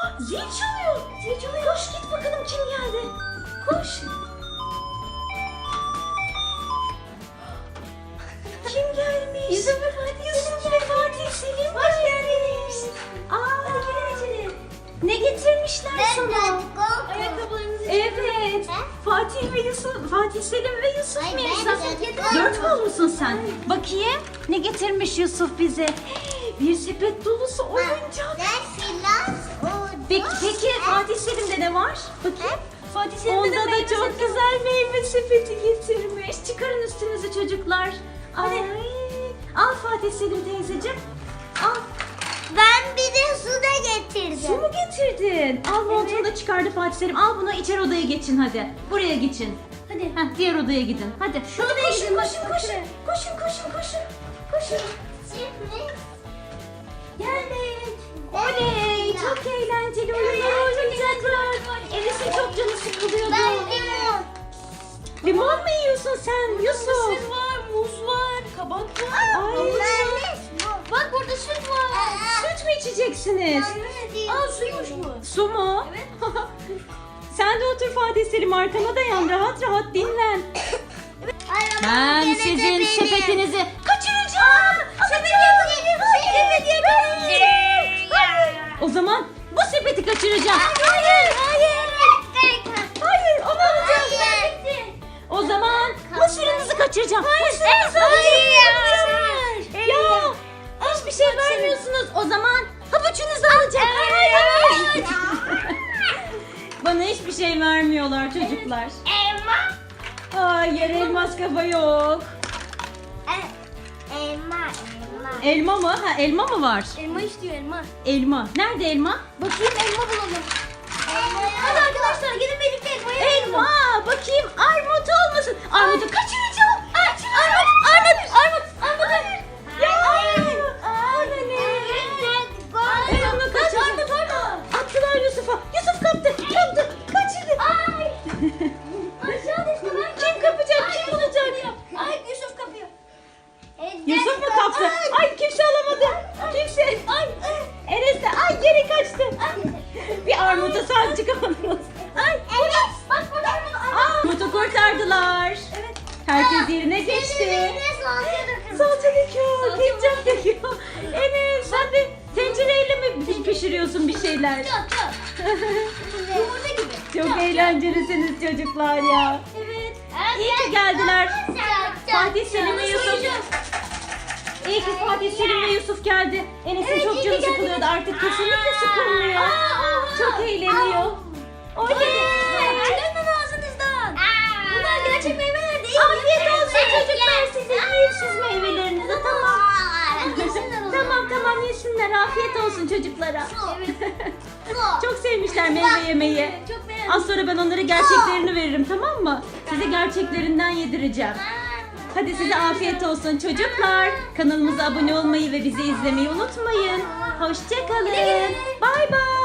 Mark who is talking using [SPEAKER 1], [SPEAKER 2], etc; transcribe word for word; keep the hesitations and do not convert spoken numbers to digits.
[SPEAKER 1] Zil çalıyor. Zil çalıyor. Koş git bakalım kim geldi. Koş. Kim gelmiş? Yusuf ve Fatih. Yusuf ve Fatih Selim. Hoş geldiniz. Aa, gelin içeri. Ne getirmişler sana?
[SPEAKER 2] Ayakkabılarınızı
[SPEAKER 1] Evet. Fatih ve Yusuf, Fatih Selim ve Yusuf
[SPEAKER 2] Ay,
[SPEAKER 1] Mirza.
[SPEAKER 2] ben de-
[SPEAKER 1] Dört mü olmuşsun sen? Bakayım. Ne getirmiş Yusuf bize? Bir sepet dolusu oyuncak. Peki, peki Fatih Selim'de ne var? Bakayım.
[SPEAKER 2] Fatih Selim'de
[SPEAKER 1] Onda
[SPEAKER 2] de
[SPEAKER 1] da
[SPEAKER 2] meyve
[SPEAKER 1] çok
[SPEAKER 2] sepeti
[SPEAKER 1] güzel meyve sepeti getirmiş. Çıkarın üstünüzü çocuklar. Ay. Al Fatih Selim teyzeciğim. Al.
[SPEAKER 2] Ben bir de su da getirdim.
[SPEAKER 1] Su mu getirdin? Al montunu da çıkardı Fatih Selim. Al bunu içeri odaya geçin hadi. Buraya geçin.
[SPEAKER 2] Hadi.
[SPEAKER 1] Heh, diğer odaya gidin. Hadi.
[SPEAKER 2] Şu
[SPEAKER 1] Hadi
[SPEAKER 2] odaya
[SPEAKER 1] koşun,
[SPEAKER 2] gidin, bak,
[SPEAKER 1] koşun,
[SPEAKER 2] bak
[SPEAKER 1] koşun,
[SPEAKER 2] şuraya.
[SPEAKER 1] koşun, koşun, koşun, koşun.
[SPEAKER 2] Geldik.
[SPEAKER 1] Oley! Çok eğlenceli oyunlar oynayacaklar. Enes'in çok canı sıkılıyordu.
[SPEAKER 2] Ben limon.
[SPEAKER 1] Limon mu yiyorsun sen Yusuf?
[SPEAKER 2] Mısır var, muz var, kabak var.
[SPEAKER 1] Ay.
[SPEAKER 2] havuç var. Bak burada süt var.
[SPEAKER 1] Süt mü içeceksiniz?
[SPEAKER 2] Aa suymuş bu.
[SPEAKER 1] Su mu?
[SPEAKER 2] Evet.
[SPEAKER 1] Sen de otur Fatih Selim, arkana dayan, rahat rahat dinlen. Ben sizin sepetinizi kaçıracağım.
[SPEAKER 2] Sepet yakalayın. Sepet yakalayın.
[SPEAKER 1] O zaman bu sepeti kaçıracağım.
[SPEAKER 2] Hayır, hayır.
[SPEAKER 1] Hayır, onu alacağım.
[SPEAKER 2] Hayır.
[SPEAKER 1] O zaman mısırınızı kaçıracağım. Mısırınızı
[SPEAKER 2] Hayır.
[SPEAKER 1] alacağım. Ya hiçbir şey vermiyorsunuz. O zaman havuçunuzu alacağım. Hayır, hayır. Bana hiçbir şey vermiyorlar çocuklar.
[SPEAKER 2] Elma.
[SPEAKER 1] Hayır, elmas kafa yok.
[SPEAKER 2] Elma, elma.
[SPEAKER 1] Elma mı? Ha, elma mı var?
[SPEAKER 2] Elma istiyor elma.
[SPEAKER 1] Elma. Nerede elma?
[SPEAKER 2] Bakayım elma bulalım. Hadi arkadaşlar gidin birlikte elmayı
[SPEAKER 1] Elma. Bakayım armut olmasın. Armutu kaçıracağım. Kaçıracağım. Armut, armut, armut, armut. Ya. Bana ne? Ben onu kaçıracağım. Attılar Yusuf'a. Yusuf kaptı. Kaptı. Kaçırdı.
[SPEAKER 2] Ay. Aşağı düştü ben.
[SPEAKER 1] Kim kapacak? Kim bulacak?
[SPEAKER 2] Ay Yusuf kapıyor.
[SPEAKER 1] Yusuf mu kaptı? Ay kimse alamadı. Kimse. Ay. Enes de ay geri kaçtı. Bir armuta sahip çıkamadınız. Ay.
[SPEAKER 2] Enes bak burada armut.
[SPEAKER 1] Armutu kurtardılar.
[SPEAKER 2] Evet.
[SPEAKER 1] Herkes yerine geçti.
[SPEAKER 2] Enes salça dökün.
[SPEAKER 1] Salça döküyor,
[SPEAKER 2] Salça
[SPEAKER 1] ketçap döküyor. Enes sen de tencereyle mi pişiriyorsun bir şeyler?
[SPEAKER 2] Çat çat. Yumurta gibi.
[SPEAKER 1] Çok eğlencelisiniz çocuklar ya.
[SPEAKER 2] Evet.
[SPEAKER 1] İyi ki geldiler. Fatih Selim ve
[SPEAKER 2] Yalnız
[SPEAKER 1] Yusuf.
[SPEAKER 2] uyuyacağız.
[SPEAKER 1] İyi ki Fatih Selim ve Yusuf geldi. Enes'in
[SPEAKER 2] Evet, iyi
[SPEAKER 1] çok
[SPEAKER 2] ki
[SPEAKER 1] canı
[SPEAKER 2] geldiniz.
[SPEAKER 1] sıkılıyordu. Artık kesinlikle sıkılmıyor.
[SPEAKER 2] Aa.
[SPEAKER 1] Çok eğleniyor. Oley.
[SPEAKER 2] Dönün ağzınızdan. Bunlar gerçek meyveler değil.
[SPEAKER 1] Afiyet olsun çocuklar size. Yiyin siz meyvelerinizi, tamam.
[SPEAKER 2] Yesinler o zaman.
[SPEAKER 1] Tamam tamam yesinler. Afiyet olsun çocuklara.
[SPEAKER 2] Evet.
[SPEAKER 1] Çok sevmişler meyve yemeyi.
[SPEAKER 2] Çok beğendim.
[SPEAKER 1] Az sonra ben onlara gerçeklerini veririm, tamam mı? Size gerçeklerinden yedireceğim. Hadi size afiyet olsun çocuklar. Kanalımıza abone olmayı ve bizi izlemeyi unutmayın. Hoşça kalın. Bay bay.